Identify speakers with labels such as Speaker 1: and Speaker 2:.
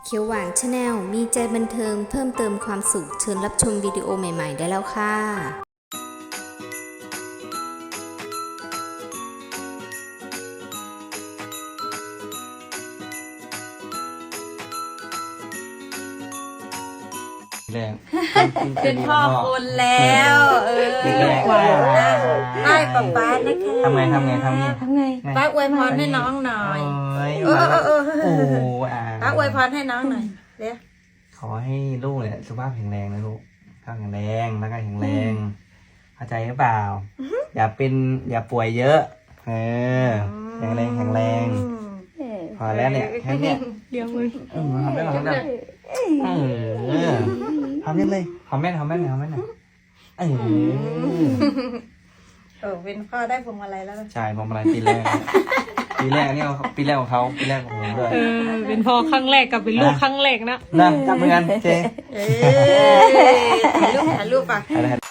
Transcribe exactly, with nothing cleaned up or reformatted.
Speaker 1: เขียวหวานชาแนลมีใจบันเทิงเพิ่มเติมความสุขเชิญรับชมวิดีโอใหม่ๆได้แล้วค่ะ
Speaker 2: แรง
Speaker 3: เป็นพ่อคนแล้วเออได้ป๊าป๊านะคะ
Speaker 2: ทำไงทำไงทำไง
Speaker 3: ทำไงป้าอวยพรให้น้องหน่อย
Speaker 2: โอ้ย
Speaker 3: เออเออเออ
Speaker 2: โอ้อ่า
Speaker 3: ป้าอวยพรให้น้องหน่อยเดี๋ยว
Speaker 2: ขอให้ลูกเนี่ยสุขภาพแข็งแรงนะลูกสุขภาพแข็งแรงร่างกายแข็งแรงเข้าใจหรือเปล่า อย่าเป็นอย่าป่วยเยอะเออแข็งแรงแข็งแรงพอแล้วเนี่ยแค่เนี้ย
Speaker 3: เลี้ยงมือ
Speaker 2: เออทำได้หรอทำได้เออทำได้เลยทำแม่ทำแม่ทำแม่หน่อยเออ
Speaker 3: เออเป็นพ่อได้พวงมาลัยแล้ว
Speaker 2: ใช่ผมอะไรปีแรกปีแรกนี่เขาปีแรกของเขาปีแรกของผมด้วย
Speaker 4: เออเป็นพ่อครั้งแรกกับเป็นลูกครั้งแรกนะ
Speaker 2: นะจับมือกันเจ
Speaker 3: เออถ่ายรูปถ่ายรูปป่ะ
Speaker 2: อะไร